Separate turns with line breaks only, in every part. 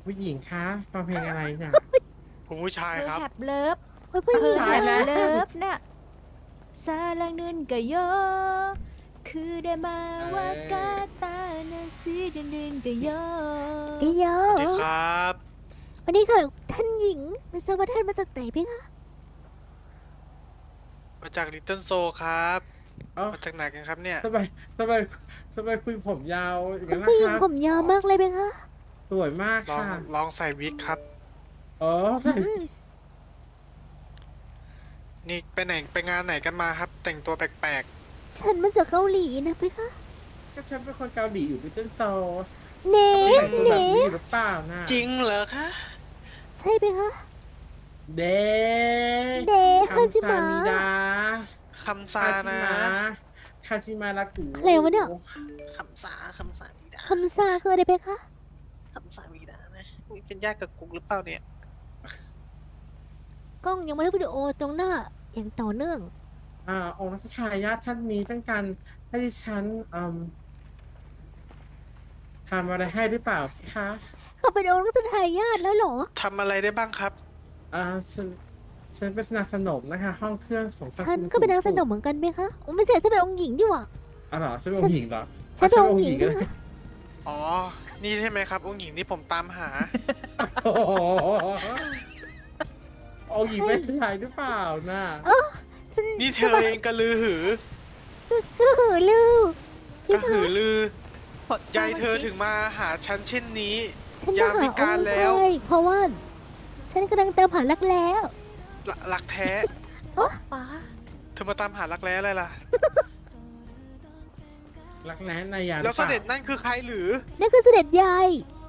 ผู้หญิงคะฟังเพลงอะไรเนี่ย
ผมผู้ชาย
เธอ
ครับ
แฮบเลิฟ
ผู้หญิง
ตายแล้ว
เลิฟน่ะซาลังเนินกะโยคือได้มาว่ากาตานาซีเดินเดินกะโย
กิโย
สวัสดีครับ
วันนี้ค่ะท่านหญิงไม่ทราบว่าท่านมาจากไหนพี่คะ
มาจากลิตเติ้ลโซครับ
อ๋อ
มาจากไหนกันครับเนี่ย
ทำไมทำไมทำไมคุยผมยาวอย่าง
คุ
นั้
ณ
น
ผู้
นะ
หญิง
ครับ
ผมยาวมากเลยไหมคะ
สวยมาก
ลอง
ค่ะ
ลองใส่วิกครับ
อ๋อใส่
นี่ไปไหนไปงานไหนกันมาครับ แต่งตัวแปลก
ฉันมาจากเกาหลีนะพี่คะ
ก็ฉันเป็นคนเกาหลีอยู่พิเตอร์โซ
เน่
แต่งตัวแบบ
เน่
นี้หรือเปล่านะ
ๆ จริงเหรอคะ
ใช่ไหมคะ
เด
เดคาจิมะ
มิดา
คำซา
คาชิ
นะ
มะคาชิมาลากุ
อะไรวะเนี่ย
คำซาวีดา
คำซาคืออะไรเพคะ
คำซาวีดานะอุ๊ยเป็นญาติกับกุ๊กหรือเปล่าเนี่ย
กล้องยังไม่ได้วิดีโอตรงหน้าอย่างต่อเนื่อง
องค์รัชทายาทท่านนี้ต้องการให้ดิฉันทำอะไรให้หรือเปล่าพี่คะ
เขาเป็นองค์รัชทายาทแล้วเหรอ
ทำอะไรได้บ้างครับ
อ่าฉันเป็นนางสนมนะคะ ห้องเครื่องของ
ฉันก็เป็นนางสนมเหมือนกันไหมคะโอ้ไม่ใช่ฉันเป็นองค์หญิงดีกว่า
อ๋อเหรอฉันเป็นองค์หญิงเหรอ
ฉันเป็นองค์หญิง
ก็
นะ
ได้
คะ
อ๋อ นี่ใช่ไหมครับองค์หญิงที่ผมตามหา
โอ้โหองค์หญิงไม่ใช่หรือเปล่าน่ะ
ฉัน
นี่เธอเองกระลือหือ
ก็หือลือก พี่
ระ
คะ
หือลือ ยายเธอถึงมาหาฉันเช่นนี้
ฉันมาหาองค์ชายเพราะว่า ฉันกำลังตามหารักแล้ว
รักแท้
ป๋า
เธอมาตามหารักแร้อะไรล่ะ
รักแร้นายา
แล้วเสด็จนั่นคือใครหรือ
นั่นคือเสด็จยาย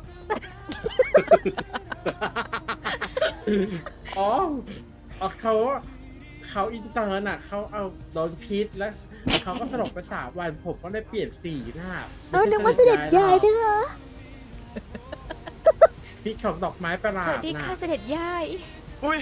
อ๋ออ๋อเขาอินเตอร์น่ะเขาเอาโดนพิษแล้วเขาก็สลบไป3 วันผมก็เลยเปลี่ยนสีหน้า
นึกว่าเสด็จยายด้วยคะ
พิษของดอกไม้ประหลา
ส
ด
วัสดี
น่ะ
ค่ะเสด็จย่าย
อุ้ย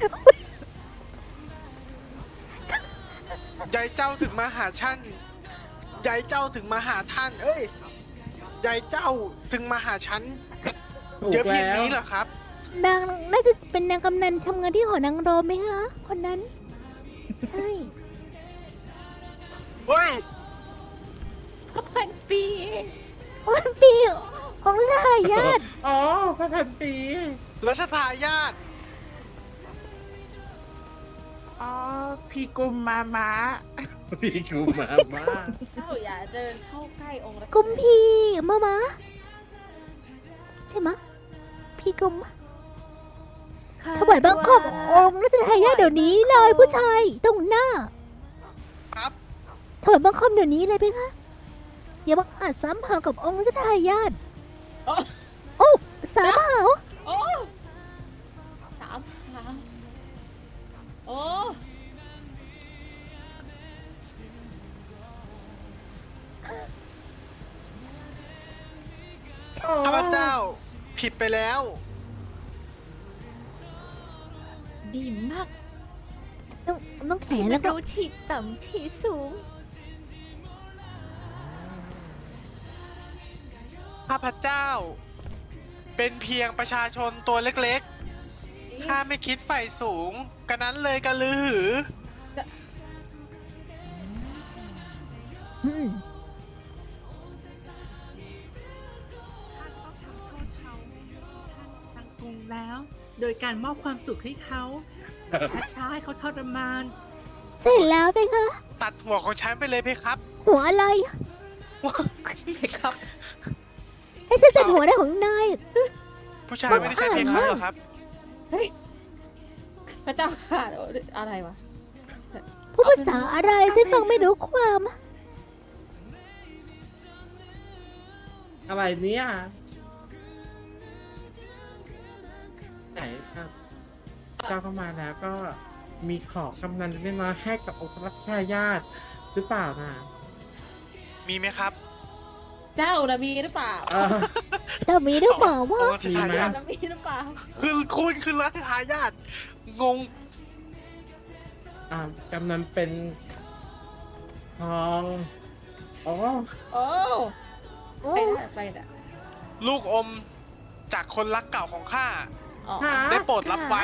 ยายเจ้าถึงมาหาฉัน ยายเจ้าถึงมาหาท่าน เอ้ย ยายเจ้าถึงมาหาฉัน
ถูก
เยอะเพียง
แล้ว
นี้เหรอครับ
นางน่าจะเป็นนางกำนันทำงานที่หอนางรมไหมคะ คนนั้น ใช่
เฮ้ย
พันปี
วันปีของทายาท
อ๋อพระพันปี
รัชทายาท
อ๋อ พี่กุมมาม้า
พี่กูมามา
เจ้าอย่าเดินเข้าใกล้องค์รัช
กุมพีมาใช่ไหมะพี่กุมถวายบังคมองค์รัชทายาทเดี๋ยวนี้เลยผู้ชายตรงหน้า
ครับ
ถวายบังคมเดี๋ยวนี้เลยไหมคะอย่ามาอาจซ้ำหากับองค์รัชทายาทโอ้สามหาว
โอ้สามครั้งโอ้
ข้าพเจ้า ผิดไปแล้ว
ดีมาก
ต้องแขน
แล้
แล้ว วก็
รู้ที่ต่ำที่สูง
ข้าพเจ้า เป็นเพียงประชาชนตัวเล็กๆ ข้าไม่คิดใฝ่สูงกันนั้นเลยกระลือหือ
อืม
ท่านต้องทำโทษเขาทางกรุงแล้ว โดยการมอบความสุขให้เขาช้าๆให้เขาทรมาน
เสร็จแล้วไหมคะ
ตัดหัวของฉันไปเลยเพครับ
หัวอะไร
ไหมครับ
ให้ฉันตัดหัวได้ของนาย
ผู้ชายไม่ได้ใช่เพครับหรอครับ
เฮ้ยพระเจ้าค่ะอะไรวะ
พูดภาษาอะไรฉันฟังไม่รู้ความ
อะไรเนี่ยไหนครับเจ้าเข้ามาแล้วก็มีของกำนันเล็กน้อยให้กับองค์รัชทายาทหรือเปล่านะ
มีไหมครับ
เจ้านะมีหรือเปล่า
เออ
จะมีหรือเปล่า
อง
ว่า
ค์รัชทายา
เจ้า
ท
นะมีหรือเปล่า
คือคุณคือรัชทายาทงง
กำนันเป็นทองอ๋อ
โอ้
โอ้
ไปได้ไปได้
ลูกอมจากคนรักเก่าของข้า
อ๋อ
หา
ได้โปรดรับไว้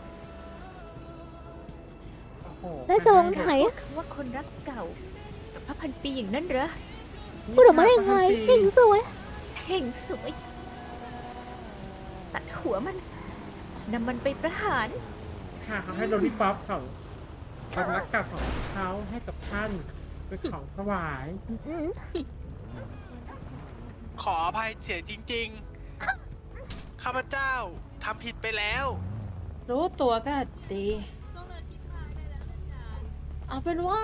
โอ้โห
ราชวงศ์ไถ
คำว่าคนรักเก่ากับพระพันปีอย่างนั้นเหรอ
พูดออกมาได้ยังไงเก่งสวย
เพ่งสวย ตัดหัวมันนำมันไปประหาร
ค่ะเขาให้โดนี่ป๊อปของความรักเก่าของเขาให้กับท่านเป็นของถวาย
อืม
ขออภัยเสียจริงๆ ข้าพเจ้าทำผิดไปแล้ว
รู้ตัวก็ดี เอาเป็นว่า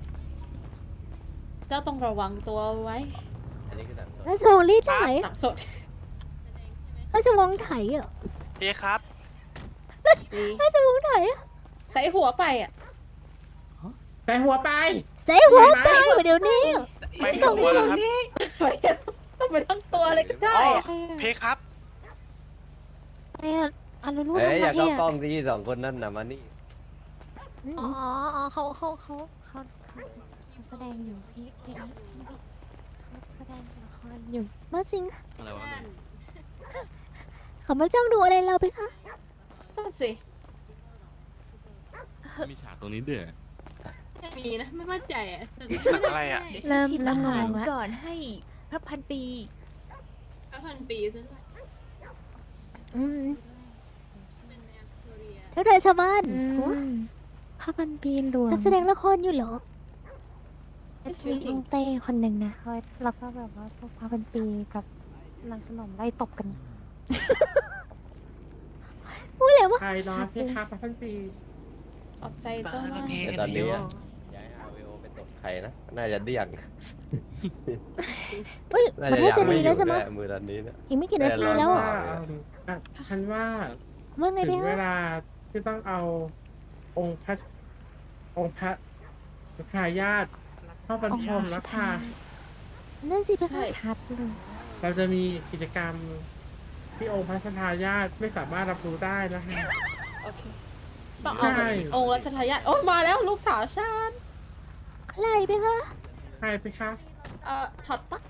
เจ้าต้องระวังตัวไว้
ราชวงศ์รีดไถ
หนักสด
ราชวงศ์ไถอ่ะ
เอ๊ะครับ
ดี
ราชวงศ์ไถอะ
ใส่หัวไปอ่ะ
ใส่หัวไป
เสียหัวไปเดี๋ยวนี้
ไปถึงหัวแล้วครับ
ต้องไปทั้งตัวเลยก็ได้
อ๋อ
อะ
เพครับ
เอ้ยอย่าเข้ากล้องที่สองคนนั่นนะมานี่
อ๋อ
เขาแสดงอยู่พี่เขาแสดงละครอยู่
มาสิง
อะไรวะ
เขามาจ้องดูอะไรเราไปคะ
ก็สิ
มีฉากตรงนี้ด้วย
มีนะ ไม่มั่นใจอ่ะแต่
หนังอะไรอ่ะ
เดี๋ยวฉันชิมอาหาร
เริ่มงงละ
ก่อนให้พระพันปี
5,000 ปีซะด้วย
อืม
เป็นแนวโคเรีย
เท่าไรชาวบ้าน
อืมพระพันปีหลวง
นักแสดงละครอยู่เหรอ
มีลุงเต้คนหนึ่งนะแล้วก็แบบว่าพวกพระพันปีกับนางสนมไล่ตบกัน
พูดเลยว่า
ใครนอนเพคะพระท่านปี
ขอบใจเจ้ามาก
แต่ตอนนี้อะย้ายอาเวโอไปตบใครนะ น่าจะเดี่ยง
เฮ้ย
น่า
ประ
จะ
เทศ
ยัง
จะ
ไม่
ดี
อ
แล้ว
ยู่
ใช่ไหม
ด้วยมือตอนนี้นะ
อีกไม่กี่นาทีแล้วอ่ะ
ฉันว่า
ว่าไง
ถึ
พี่
งเว
คะ
ลาที่ต้องเอาองค์พระทายาทเข้าบรรทมแล้วค่ะ
นั่นสิพี่
ใช่
คะ
ชัดเลย
เราจะมีกิจกรรมที่องค์พระทายาทไม่สามารถรับรู้ได้นะคะ
โอเค ต้องเอา
ใช่
องค์รัชทายาทโอ้ยมาแล้วลูกสาวฉัน
ใครพี่คะ
ใครไปคะ
ถอดปลั๊ก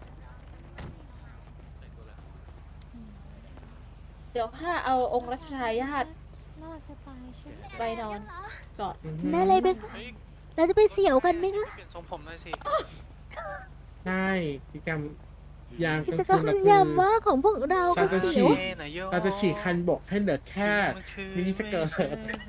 เดี๋ยวข้าเอาองค์รัชทายาท
น่าจะตายใช่ไหม
ไปนอนก่อน
นั่นอะไรพี่คะ
เฮ้ย
เราจะไปเสี่ยวกันไหมคะ
เปลี่ยนทรงผมหน่อยสิ
ใช่กิจกรรมยาม
กิ
กลาง
จกรร
คื
ม
นเรา
ยาม
คือ
ว่าของพวกเราก็
เราจะ
เสียว
ฉีก เราจะฉีกคันบกให้เหลือแค่มินิสเกิร์ต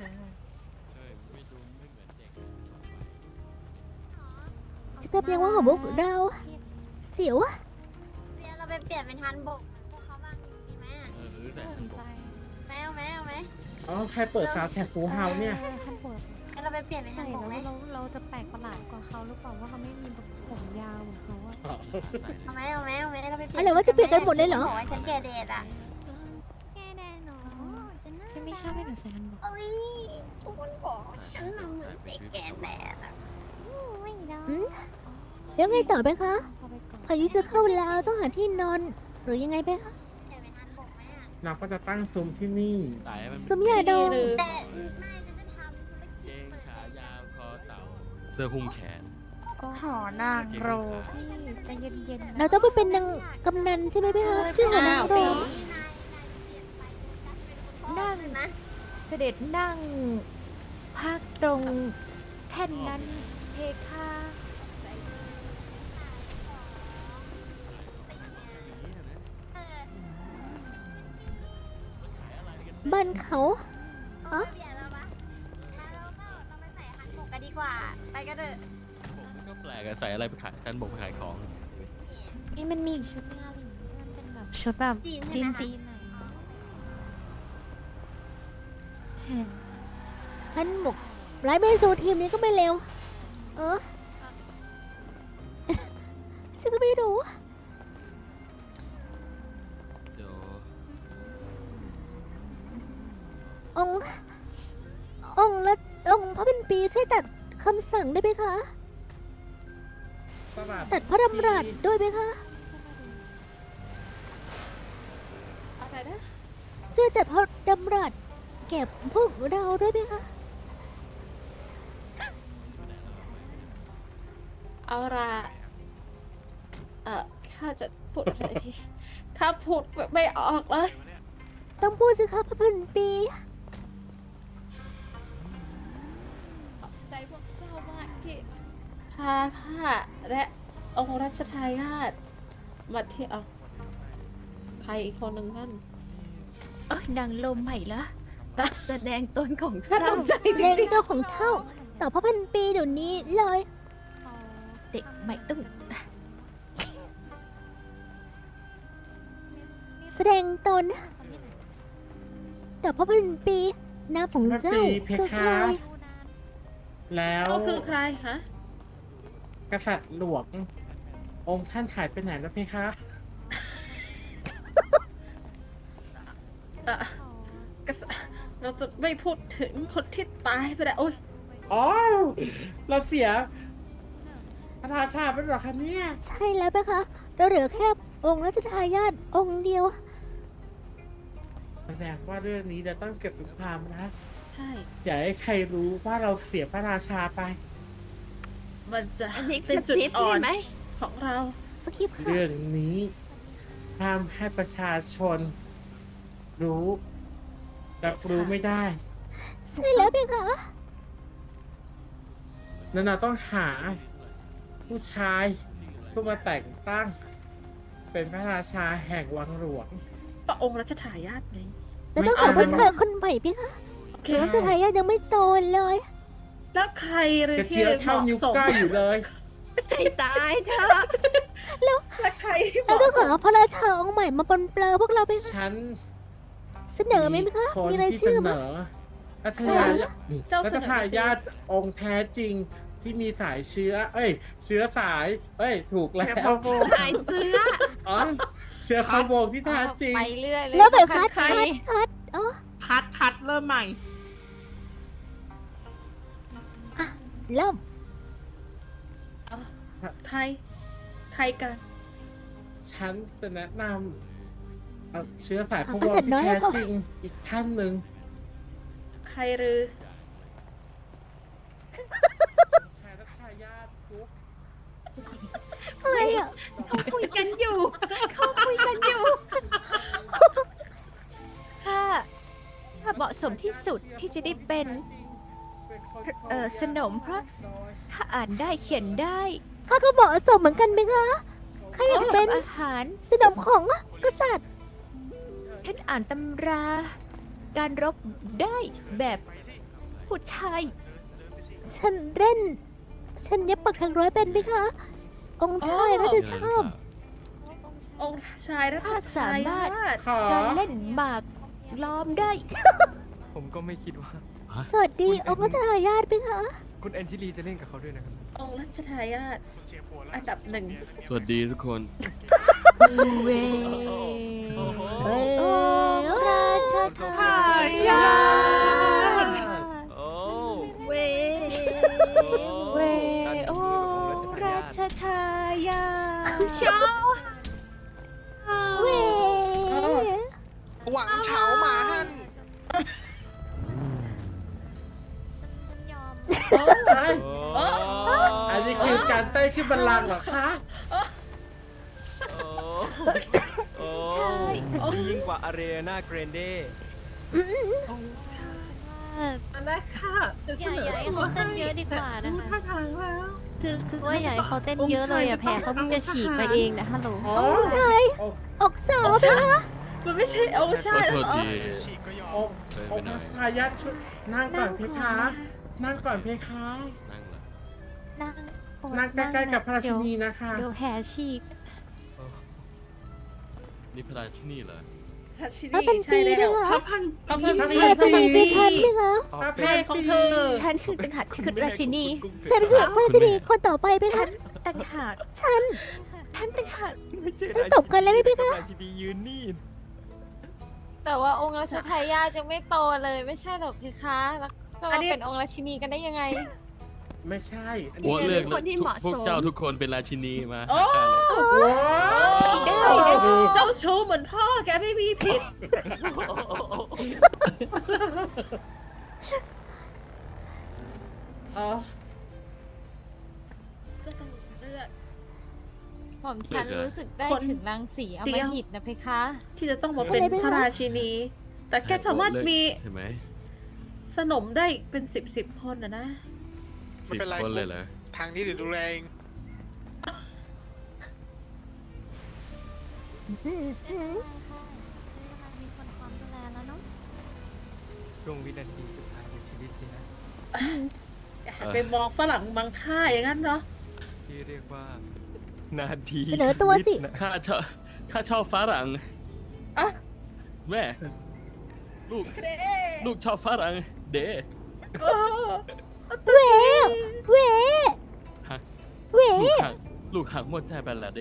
กิจกรรมยามว่าของพวกเราเสียวอะ
เดี๋ยวเราไปเปลี่ยนเป็นทันบกพวกเขาบ้างดีไหมอะ
สนใจ
แมวไหมเอาไหม
อ๋อใครเปิดซาวด์แท็กฟูเฮาเนี่ย
ท่านปวด
งั้นเราไปเปลี่ยนเป็นทั
ใส่
นบกไหม
แล้วเราจะแปลกประหลาดกว่าเขาหรือเปล่าว่าเขาไม่มีแบบผมยาวเหมือนเขาอะ
เอาไหมเอาไหมเอาไหมเราไปเปลี่ยน
อะไรว่าจะเปลี่ยนกันหมดเลยเหรอ
บอกว่าฉันแก่เดดอ่ะ
แค่แดนหนูพี่ไม่ชอบให้หนูใส่ฮันบก
เอ้ยทุกคนบอกฉันน่ะเหมือนเด็กแก่แดดอ่ะ
ไม่ได้
แล้วไงต่อไปคะ
พอไปก่อน
พายุจะเข้าแล้วต้องหาที่นอน หรือยังไงไปคะ
เปลี่ยนเป็นทันบกไหมอ่ะ
เราก็จะตั้งซุ้มที่นี่
สายมัน
สมยาดอง
หรือ
แต่ไม่ฉันจะทำธุร
เก
กิจ
ง
เปิด
ขายาวคอเต่า เสื้อหุ้มแขน
หอนางโรพี่ใจะเย็นๆนะ
เราต้องไปเป็นนางกำนันใช่ไหมพี่คะที่หัวนางรอง
นี่นายเปลี่ยนไปเป็นการเป็นคนพ่อ
นั่ง
นะ
เสด็จนั่งภาคตรงแท่นนั้นเพคะ
บ้านเขา
เอาไปเปลี่ยนแล้วปะมาเราก็เราไปใส่ฮันบกกันดีกว่า ไปกันเถอะ
ผมก็แปลกอะใส่อะไรไปขายฉันบอกไปขายของ
นี่มันมีอีกชุดนึงอะไรอย่างเงี้ยที่มันเป็นแบบชุดแบบ
จีน
จี
ใช่
น
ไหมคะ
จีนหน่อย
ฮันหมกไร้เบโซทีมนี้ก็ไม่เร็ว เออ ฉันก็ไม่รู้
เดี๋ยว
องค์ละองค์พระเป็นปีช่วยตัดคำสั่งได้ไหมคะ ตัดพระดำรัสด้วยไหมคะ
อะไรนะ
ช่วยตัดพระดำรัสแก็บพวกเราด้วยไหมคะ
เอาละข้าจะพูดอะไรดีข้าข้าพูดไม่ออกเลย
ต้องพูดสิคะพระพันปี
ขอบใจพวกเจ้ามากที่พาข้าและองค์รัชทายาทมาเที่ยวใครอีกคนหนึ่งนั่น
นางลมใหม่ละแสดงตนของ
ข้า
เจ้า
ตกใจจ
เรื่อง
ริง
ตัวของเท่า ต่อพระพันปีเดี๋ยวนี้เลย
เด็กใหม่ต้อง
แสดงตน ต่อพระพันปีนามของเจ้า
พระพันปีเพ
คือ
คะ
ใคร
แล้ว
เขาคือใครฮะ
กษัตริย์หลวง องค์ท่านหายไปไหนแล้วเพคะ
เราจะไม่พูดถึงคนที่ตายไปแล้วโอ้ย
อ๋อ เราเสียพระราชาไปหรอคะเนี่ย
ใช่แล้วไหมคะ เราเหลือแค่องค์รัชทายาทองค์เดียว
แสดงว่าเรื่องนี้เราต้องเก็บเป็นความลับ
ใช่
อย่าให้ใครรู้ว่าเราเสียพระราชาไป
มันจะ
อันนี้
เป็นจุดอ่อน
ไหม
ของเรา
สคริปต์ค่ะ
เรื่องนี้ห้ามให้ประชาชน รู้รับรู้ไม่ได้
ใช่แล้วไหมคะ
นั่นเราต้องหา ผู้ชายเพื่อมาแต่งตั้ง เป็นพระราชาแห่งวังหลวง
พระองค์รัชทายาทไง
เราต้องหาผู้ชายคนใหม่ไหมคะ
โอเค
รัชทายาทยังไม่โตเลย
แล้วใครเลย
กระ
ที่
เจี๊ยบ
เห
เท่า
มาะ
นิ้ว
สม
ก้อยอยู่เลย
ให้ตายเถอะ
แล้วใครที่เห
เรา
มาะ
ต้อง
ส
หาม พระราชาองค์ใหม่มาปนเปลือพวกเราไปคะ
ฉัน
เสนอไหมคะ
คน
มีราย
ที่
ชื่อ
เส
ไหม
นอรัชทายาท
เจ้า
รั
เส
ช
นอ
ทายาทองค์แท้จริงที่มีสายเชื้อ เอ้ย เชื้อสาย เอ้ย ถูกแล้ว
ชายเสื้อ
อ๋อ เชื้อขบวงที่แท้จริง
ไปเรื่อยเลย
แล้วแบบคัด
ใคร
คัดอ๋อ
คัดเริ่มใหม่
เริ่ม
ใคร ใครกัน
ฉันจะแนะนำเชื้อสายขบวงที่แท้จริงอีกท่านหนึ่ง
ใครหรือ
ชายรัชทายาทกุ๊ก
อะไรอ่ะ
เขาคุยกันอยู่ เขาคุยกันอยู่ถ้าเหมาะสมที่สุดที่จะได้เป็นสนมเพราะถ้าอ่านได้เขียนได้
ข้าก็เหมาะสมเหมือนกันไหมคะข้าอยากเป็น
ทำอาหาร
สนมของกษัตริย์
ท่านอ่านตำรา การรบได้แบบผู้ชาย
ฉันเล่น ฉันเย็บปักถักร้อยเป็นไหมคะ องค์ชายน่าจะชอบ
องค์ชายรัช
ถ้าสา
ทาย
มารถ
าท
ขอ
การเล่นหมากล้อมได้
ผมก็ไม่คิดว่า
สวัสดี องค์รัชทายาทไหมคะ
คุณแอนชิลีจะเล่นกับเขาด้วยนะครับ
องค์รัชทายาทอันดับหนึ่ง
สวัสดีทุกคน
เว
เอ้ย
ราชทายาท
โอ้
เวเวโอราชทายาทเช้า
เว้ย
หวังเฉาหมาหัน
ฉันยอม
เอ้ยอันนี้คือการเต้นขึ้นบัลลังก์เหรอคะ
ใช่
ยิ่งกว่าอารีนาเกรนเด
อันแรกค่ะ จะเสนอ
อย่าให้เขาเต้นเยอะดีกว่านะคะ
ท่าทางแล้ว
คือว่าอยากให้เขาเต้นเยอะเลยอะแผลเขาเพิ่งจะฉีกไปเองนะฮัลโหล
อ๋อ
องค์ชาย
โอ้
อกสาวไหมคะ
มันไม่ใช่องค์ชาย
ขอโทษ
เหรอ
ที
ฉีกก็ยอ
โอ้
ม
องค์รัชทายาทช่วยนั่งก่อนเพคะ นั่งก่อนเพคะ
นั่งละ
นั่งโอ๊ย
นั่งใกล้ๆกับพระราชินี
เดี๋ยว
นะคะ
เดี๋ยวแผลฉีก
นี่พระราชินีเหรอ
พระชิ
พระ
นี
พัน
ใช่
ปี
แล้
ด้ว
วย
เหรอ
พระพัน
พระพันปี
พระราชินีคือฉันไหมคะ
พระ
แม่ของเธอ
ฉันคือต่างหากที่คือราชินี
ฉันคือพระราชินีคนต่อไปไหม
ฉั
คะ
นต่างหาก
ฉัน
ฉันต่างหาก
ไม่ใช่
ต้องตบกันเลยไหมพี่คะ
ราชินียืนนี่
แต่ว่าองค์รัชทายาทยังไม่โตเลยไม่ใช่หรอกเพคะแล้วจะมาเป็นองค์ราชินีกันได้ยังไง
ไม่ใช่อัน
หั
นี้
วเลือก
คนที่เหมาะ
พวก
สม
เจ้าทุกคนเป็นราชินีมา
โอ้
ได้
เจ้าชู้เหมือนพ่อแกไม่มีผิด
อ๋อ
จะต้องเลือก
ผมฉันรู้สึกได้ถึงรังสีอำมหิตนะเพคะ
ที่จะต้องมาเป็นพระราชินี แต่แกสามารถมี
ใช่ไหม
สนมได้เป็นสิบคนนะ
ไม่
10
เป็นไร
คนเลยเหรอ
ทางนี้เดี๋ยวดูแลเอง
มีคนพร้อมดูแลแล้วเนาะ
ช่วงวินาทีสุดท้ายของชีวิตนี่นะ
ไปมองฝรั่งมังค่าอย่างนั้นเนาะ
ที่เรียกว่า นาที
เสนอตัวสิ
ชีตนะ
ข้าชอบฝรั่ง
อ่ะ
แม่ ลูกชอบฝรั่งเด
เวเว
ฮะ
เว
ลูกหักหมดใจไปละเด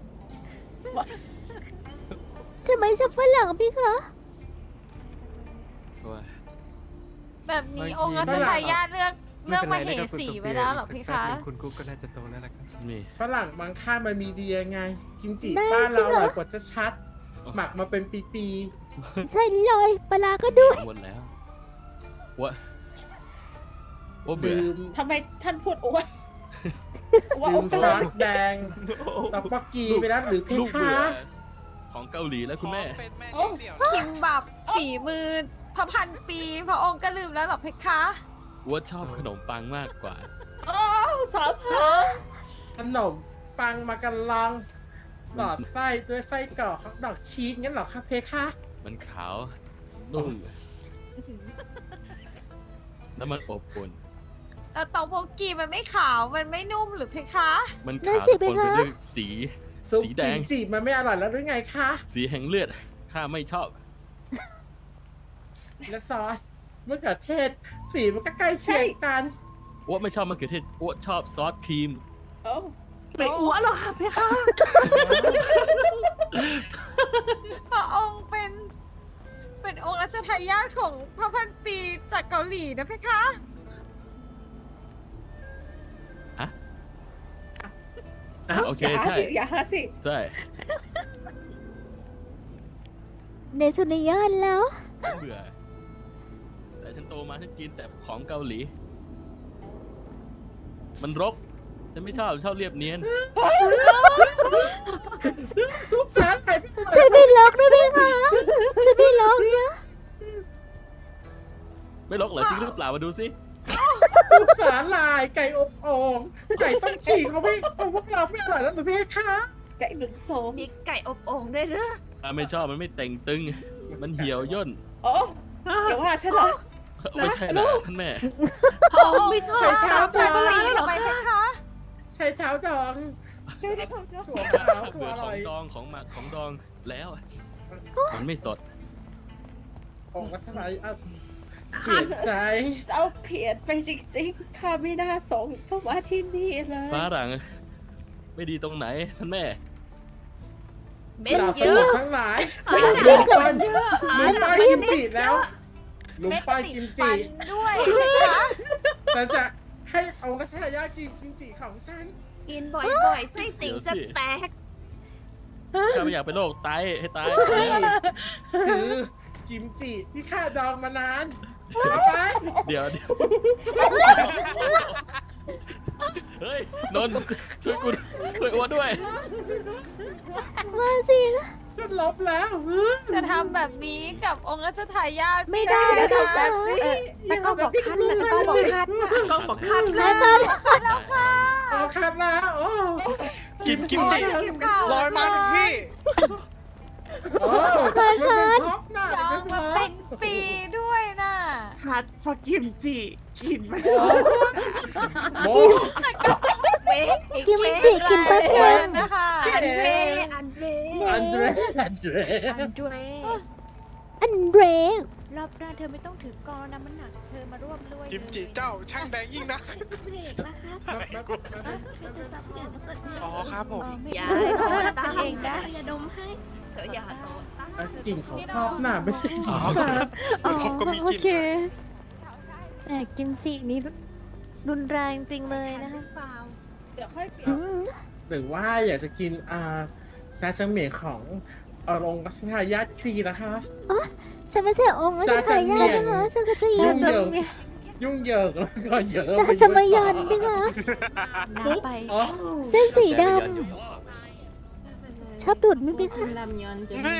ทำไมชอบฝรั่งพี่คะ
โอ้ย
แบบนี้องค์รัชทายาทเลือกมเหสีไว้แล้วเหรอเพคะ
อีกสักแป๊บนึงคุณกุ๊กก็น่าจะโตแล้วล่ะครับ
นี่
ฝรั่งบางค่ามันมีดียังไง กิมจิ
ได้
บ้าน
สิ
เราอ
คะ
ร่อยกว่าจะชัด หมักมาเป็นปี
ใช่เลยปลาร้าก็ด้วย
หมดแล้ววะว่า
ๆ
เบื่อ
ดื่ม
ทำไมท่านพูดอ้วน
ดื่มซอสแดงตอกปักกีไปแล้วหรือเพ
ลูก
คะ
เบื่อของเกาหลีแล้วคุณแม่
ขอเป็นแม่เลี้ยงเดี่ยวนะ
คิมบับฝีมือพระพันปีพระองค์ก็ลืมแล้วเหรอเพคะ
ว่าชอบขนมปังมากกว่า
สาวพา
ขนมปังมากันลอง สอดไส้ด้วยไส้กรอกฮอทดอกชีสงั้นเหรอคะเพคะ
มันขาว นุ่ม แล้วมันอบอุ่น
แล้วเตาโบกีมันไม่ขาว มันไม่นุ่มหรือเพคะ
มัน
นั่
ขาน ว
สิ
ปนไป
เพคะ
ด้วยสี
ซุป
สีแด
กิ
ง
มจิมันไม่อร่อยแล้วหรือไงคะ
สีแห่งเลือด ข้าไม่ชอบ
และซอสมะเขือเทศ สีมันก็ใกล้เคียงกัน
อ้วไม่ชอบมะเขือเทศอ้วชอบซอสครีม
ไม่อ้วนหรอกค่ะเพคะ
พระองค์เป็นองค์รัชทายาทของพระพันปีจากเกาหลีนะเพคะ
โอเค ใช่
อย่าหาสิ
ใช่
ในสุนิยานแล้ว
ฉันเบื่อ แต่ฉันโตมาฉันกินแต่ของเกาหลี มันรก ฉันไม่ชอบเรียบเนียน
ทุกสารไปพี่
ฉันไม่ล็อกนะพี่คะฉันไม่ล็อกนะ
ไม่รกเหรอจริงหรือเปล่ามาดูสิ
ทุกสารลายไก่อบโอ่งไก่ต้มฉี่เขาไม่เอาพวกเราไม่อร่อยแล้วหรือเพคะ
ไก่หนึ่งโสม
มีไก่อบโอ่งด้วยหรือ
ข้าไม่ชอบมันไม่เต่งตึง มันเหี่ยวย่น
โอ้อย่าว่าฉันเหรอ
ไม่ใช่นะท่านแม่
พระองค์ไม่ชอบ
ใช้เท้า
พ
ด
ระ
อ
พันปี
ง
ทำไมเพคะ
ใช้เท้าดองถั่วขาวถั่ว
เบื่อ
อ
ขอ
ร่อง ย
ดองของหมักของดองแล้ว มันไม่สด
องค์รัชทายาทเสียใจ
เจ้าเพียนไปจริงๆข้าไม่น่าส่งเจ้ามาที่นี่เลย
ฟ้าหลัง ไม่ดีตรงไหนท่านแม่
เม็ด
ดาบ
เย
สมุ
อะ
นทั้งหลาย
น้ำจิ้มกับ
ลุงป้ายกิมจิแล้วลุง
เม็ด
ป้าย
ติด
กิม
ฟั
จิ
นด้วยเพคะ
ฉันจะให้องค์รัชทายาทกินกิมจิของฉัน
กินบ่อยๆไส้ติ่งจะแตก
ข้าไม่อยากเป็นโรคไตให้ตาย
นี่คือกิมจิที่ข้าดองมานานเอาไป
เดี๋ยวเฮ้ย นนท์ช่วยกูช่วยอ้วนด้วย
มาสิ
ฉันลบแล้ว
จะทำแบบนี้กับองค์รัชทายาท
ไม่ได้
นะ
นะคะ คะ
แต่ก็บอกคันแต่ก็บอกคันก็บอกคัน
ใช่ค่ะ
เอาคัดแล้วโอ้
กินกิมจิลอยมาถึงพี่
โอ้มันเป็นท็อปหน้า
จองมาเป็นปีด้วยน่ะ
คัดฟอกิมจิกินไหม
โม
เว้ยอี
กิมจิกินปลาเค็ม
นะคะ
อันเดร
อันเดร
อันเดร
อันเดร
รอบหน้าเธอไม่ต้องถือกอนะมันหนัก เธอมาร่วมด้วย
กิมจิเจ้าช่างแดงยิ่งนะ
เบรกนะคะจะสับเปลี่ยนสุด
อ๋อครับผม
อย่า
เขา
โต
ตั้งเองได้
อย่าดมให้ เธออย่าโตตา
กลิ่นของท็อปหน้าไม่ใช่หญิงสาว
ผมก็มี
โอ
กิน
เคแต่กิมจินี่รุนแรงจริงเลยนะคะ
เดี๋ยวค่อยเปลี่ยน
อืม
หรือว่าอยากจะกินซาจังเหมียนขององค์รัชทายาทครีนะคะ
ฉันไม่ใช่องค์รัชทายาทนะคะฉันก็จะยิ
ยุ่
น
งเหยิงยุ่งเหยิงแล้วก็เยอะ
จะสมัยยันพี่คะ
น้ำไป
อ๋อ
เส้นสีดอบดูดไหม่เป็น
คุณลำยอนจะมี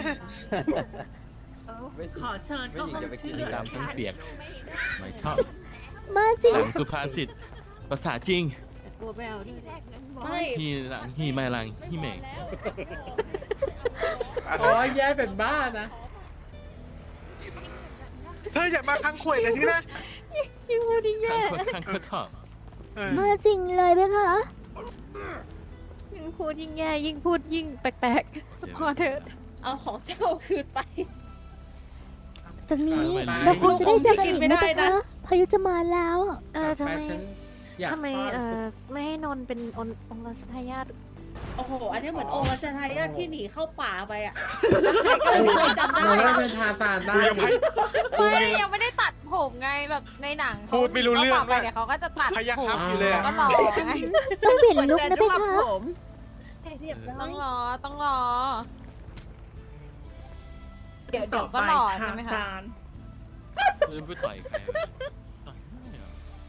ขอเชิญเข้าห้องชื่อ
ตามทั้งเปียกไม่ชอบ
มาจริง
หลังสุภาษิตภาษาจริง
แต่กลัวไปเอาด้วย
ไม่
ฮีหลังฮีไม่หลังฮีเหม่ง
โอ้ยแย่เป็นบ้านะ
เธออย่ามาคังข่วยเลยที่นะ
ยิ่งพูดยิ่งแย่
ข้างก็ถอด
มาจริงเลยไหมคะ
ยิ่งพูดยิ่งแย่ยิ่งพูดยิ่งแปลกๆพอเถอะ
เอาของเจ้าคืนไป
จากนี้
ไป
เราคงจะได้เจอกันอีก
ไม่
นะ
ได้
เพ
นะ
คะพายุจะมาแล้ว
ทำไม
ฉันอยาก
ทำไม
ป้อน
ไม่ให้นนท์เป็นองค์รัชทายาท
โอ้โห อันนี้เหมือนองค์รัชทายาทที่หนีเข้าป่าไปอ่ะใครก็ไม่เคยจำได้
เราได้เป็นทาซานได้
ไม่ยังไม่ได้ตัดผมไงแบบในหนังเขา
พูดไม่รู้เรื่อง
ขาบ
ด้
ก
วย
ไปเดี๋ยวเขาก็จะตัด
พยัก
ผม
ครับอยู่เลย
แล้ว
อะ
ก็หล่อไง
ต้องเปลี่ยนลุคนะเพ
เหมือนเดิน
คะ
ด้วยผม
เรียบร้อ
ต้
ย
องรอต้องรอ เดี๋ยว
ต่อ
ก็
ไป
หล่อ
ค่ะ
ใช่ไหมคะ
ซาน
จะไปต่อยใคร